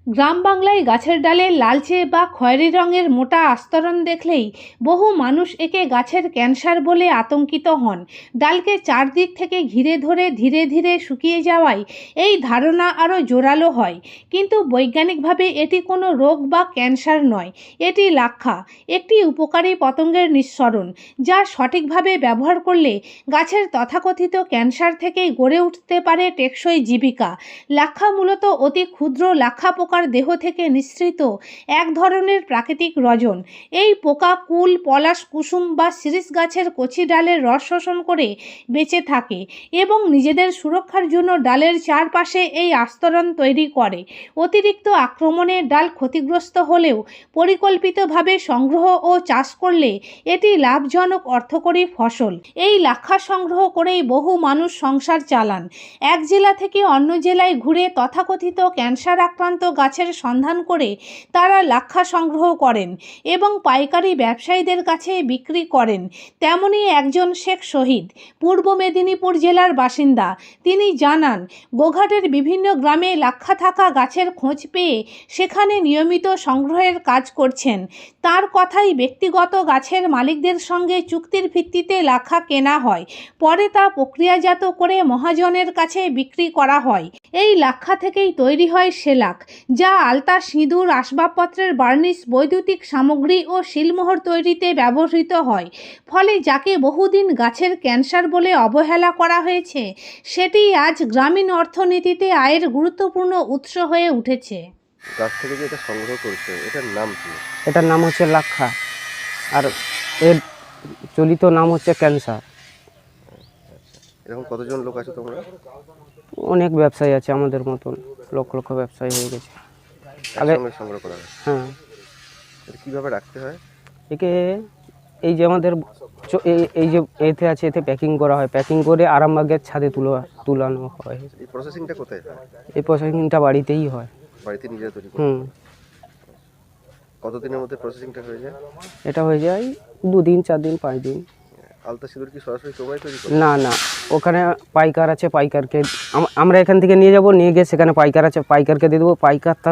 গ্রাম বাংলায় গাছের ডালে লালচে বা খয়েরি রঙের মোটা আস্তরণ দেখলেই বহু মানুষ একে গাছের ক্যান্সার বলে আতঙ্কিত হন। ডালকে চারদিক থেকে ঘিরে ধরে ধীরে ধীরে শুকিয়ে যাওয়ায় এই ধারণা আরও জোরালো হয়। কিন্তু বৈজ্ঞানিকভাবে এটি কোনো রোগ বা ক্যান্সার নয়, এটি লাক্ষা, একটি উপকারী পতঙ্গের নিঃসরণ, যা সঠিকভাবে ব্যবহার করলে গাছের তথাকথিত ক্যান্সার থেকেই গড়ে উঠতে পারে টেকসই জীবিকা। লাক্ষা মূলত অতি ক্ষুদ্র লাক্ষা পোকার দেহ থেকে নিঃসৃত এক ধরনের প্রাকৃতিক রজন। এই পোকা কুল, পলাশ, কুসুম বা শিরীষ গাছের কচি ডালের রস শোষণ করে বেঁচে থাকে এবং নিজেদের সুরক্ষার জন্য ডালের চারপাশে এই আস্তরণ তৈরি করে। অতিরিক্ত আক্রমণে ডাল ক্ষতিগ্রস্ত হলেও পরিকল্পিতভাবে সংগ্রহ ও চাষ করলে এটি লাভজনক অর্থকরী ফসল। এই লাক্ষা সংগ্রহ করেই বহু মানুষ সংসার চালান। এক জেলা থেকে অন্য জেলায় ঘুরে তথাকথিত ক্যান্সার আক্রান্ত গাছের সন্ধান করে তারা লাক্ষা সংগ্রহ করেন এবং পাইকারি ব্যবসায়ীদের কাছে বিক্রি করেন। তেমনই একজন শেখ শহীদ, পূর্ব মেদিনীপুর জেলার বাসিন্দা। তিনি জানান, গোঘাটের বিভিন্ন গ্রামে লাক্ষা থাকা গাছের খোঁজ পেয়ে সেখানে নিয়মিত সংগ্রহের কাজ করছেন। তার কথাই, ব্যক্তিগত গাছের মালিকদের সঙ্গে চুক্তির ভিত্তিতে লাক্ষা কেনা হয়, পরে তা প্রক্রিয়াজাত করে মহাজনের কাছে বিক্রি করা হয়। এই লাক্ষা থেকেই তৈরি হয় সেলাক, যা আলতা, সিঁদুর, আসবাবপত্রের বার্নিশ, বৈদ্যুতিক সামগ্রী ও শিলমোহর তৈরিতে ব্যবহৃত হয়। ফলে যাকে বহুদিন গাছের ক্যান্সার বলে অবহেলা করা হয়েছে, সেটি আজ গ্রামীণ অর্থনীতিতে আয়ের গুরুত্বপূর্ণ উৎস হয়ে উঠেছে। গাছ থেকে যে এটা সংগ্রহ করছে, এটার নাম কি? এটার নাম হচ্ছে লাক্ষা, আর এর চলিত নাম হচ্ছে ক্যান্সার। এরকম কতজন লোক আছে তোমরা? অনেক ব্যবসায়ী আছে, আমাদের মতন লক্ষ লক্ষ ব্যবসায়ী হয়ে গেছে। আগে একসঙ্গে সংগ্রহ করা হয়। হ্যাঁ, এটা কীভাবে রাখতে হয়? একে এই যে আমাদের এই যে এতে আছে, এতে প্যাকিং করা হয়, প্যাকিং করে আরামবাগের ছাদে তুলানো হয়। এই প্রসেসিংটা কোথায় হয়? এই প্রসেসিংটা বাড়িতেই হয়। বাড়িতে নিজেরা তৈরি করে? কতদিনের মধ্যে প্রসেসিংটা হয়ে যায়? এটা হয়ে যায় 2 দিন, 4 দিন, 5 দিন। আলতা সিঁদুর কি সরাসরি তোমরাই তৈরি করো? না না, ওখানে পাইকার আছে, পাইকারকে আমরা এখান থেকে নিয়ে যাব, নিয়ে গিয়ে সেখানে পাইকার আছে, পাইকারকে দিয়ে দেবো, পাইকার তার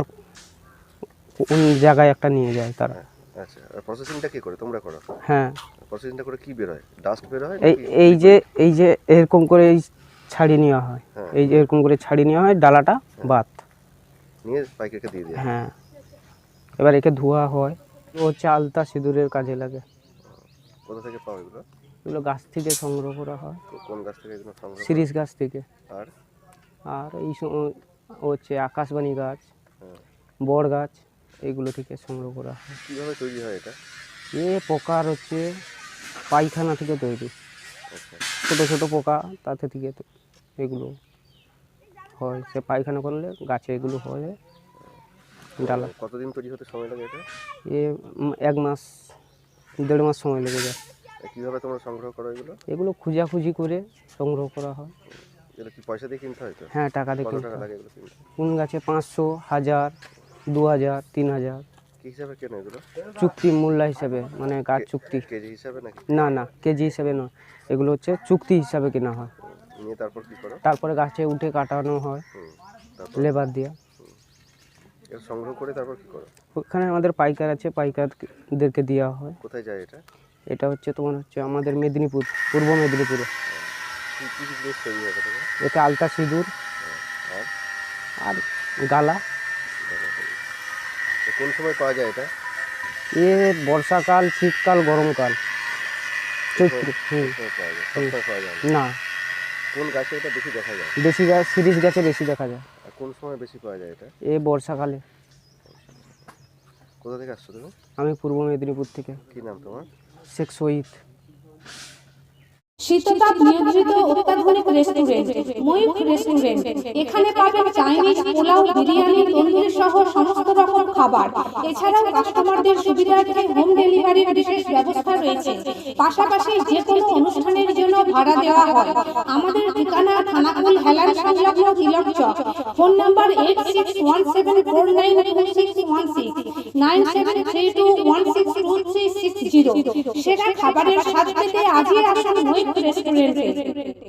কোন জায়গায় একটা নিয়ে যায় তারা। আচ্ছা, আর প্রসেসিংটা কি করে তোমরা করো? হ্যাঁ, প্রসেসিংটা করে কি বের হয়? ডাস্ট বের হয়? এই যে এরকম করে ছাড়িয়ে নেওয়া হয়, এই যে এরকম করে ছাড়িয়ে নেওয়া হয়, ডালাটা বাদ নিয়ে পাইকারকে দিয়ে দেয়। হ্যাঁ, এবার একে ধোয়া হয়। ও হচ্ছে আলতা সিঁদুরের কাজে লাগে। কোথা থেকে পাও এগুলো? এগুলো গাছ থেকে সংগ্রহ করা হয়। কোন গাছ থেকে এগুলো সংগ্রহ? শিরীষ গাছ থেকে। আর এই হচ্ছে আকাশবাণী গাছ, বড় গাছ, এইগুলো থেকে সংগ্রহ করা হয়। কীভাবে তৈরি হয় এটা? পোকার হচ্ছে পায়খানা থেকে তৈরি। আচ্ছা, ছোটো ছোটো পোকা, তাতে থেকে এগুলো হয়। সে পায়খানা করলে গাছে এগুলো হয়। ডালা কতদিন তৈরি হতে সময় লাগে এটা? 1 মাস, 1.5 মাস সময় লেগে যায়। কীভাবে তোমরা সংগ্রহ করো এগুলো? এগুলো খোঁজাখুঁজি করে সংগ্রহ করা হয়। এগুলো কি পয়সা দিয়ে কিনতে হয় তো? হ্যাঁ, টাকা দিয়ে কত কিনতে টাকা হয়। লাগে এগুলো কিনতে? কোন গাছে 500, 1000, 2000, 3000 কি হিসাবে কেনো এগুলো? চুক্তি মূল্য হিসাবে, মানে গাছ চুক্তি। কেজি হিসাবে নাকি? না না, কেজি হিসাবে নয়, এগুলো হচ্ছে চুক্তি হিসাবে কেনা হয়। নিয়ে তারপর কি করো? তারপরে গাছে উঠে কাটানো হয় লেবার দিয়ে। এটা সংগ্রহ করে তারপর কি করো? ওখানে আমাদের পাইকার আছে, পাইকারদেরকে দেওয়া হয়। কোথায় যায় এটা? এটা হচ্ছে তোমার হচ্ছে আমাদের মেদিনীপুর, পূর্ব মেদিনীপুরে। কি কি জিনিস তৈরি হয় এটা? এতে আলতা সিঁদুর আর আর গালা। কোন সময় পাওয়া যায় এটা? বর্ষাকাল, শীতকাল, গরমকাল, চৈত্র। পাওয়া যায়, সবসময় পাওয়া যায় না, কোন গাছে এটা বেশি দেখা যায়? বেশি গাছ শিরীষ গাছে বেশি দেখা যায়। আর কোন সময় বেশি পাওয়া যায় এটা? বর্ষাকালে। কোথা থেকে আসছো তুমি? আমি পূর্ব মেদিনীপুর থেকে। কি নাম তোমার? শেখ শহীদ। শীততাপ নিয়ন্ত্রিত অত্যাধুনিক রেস্টুরেন্ট ময়ূখ রেস্টুরেন্ট। এখানে পাবেন চাইনিজ, পোলাও, বিরিয়ানি, তন্দুরি সহ সমস্ত রকম খাবার। এছাড়াও কাস্টমারদের সুবিধার্থে হোম ডেলিভারির বিশেষ ব্যবস্থা রয়েছে। পাশাপাশি যে কোনো অনুষ্ঠানের জন্য ভাড়া দেওয়া হয়। আমাদের ঠিকানা থানাকুল হেলান সংলগ্ন তিলক চক। Phone number 8617492616, 9732162360। সেরা খাবারের স্বাদ পেতে আজই আসুন ময়ূখ রেস্টুরেন্টে।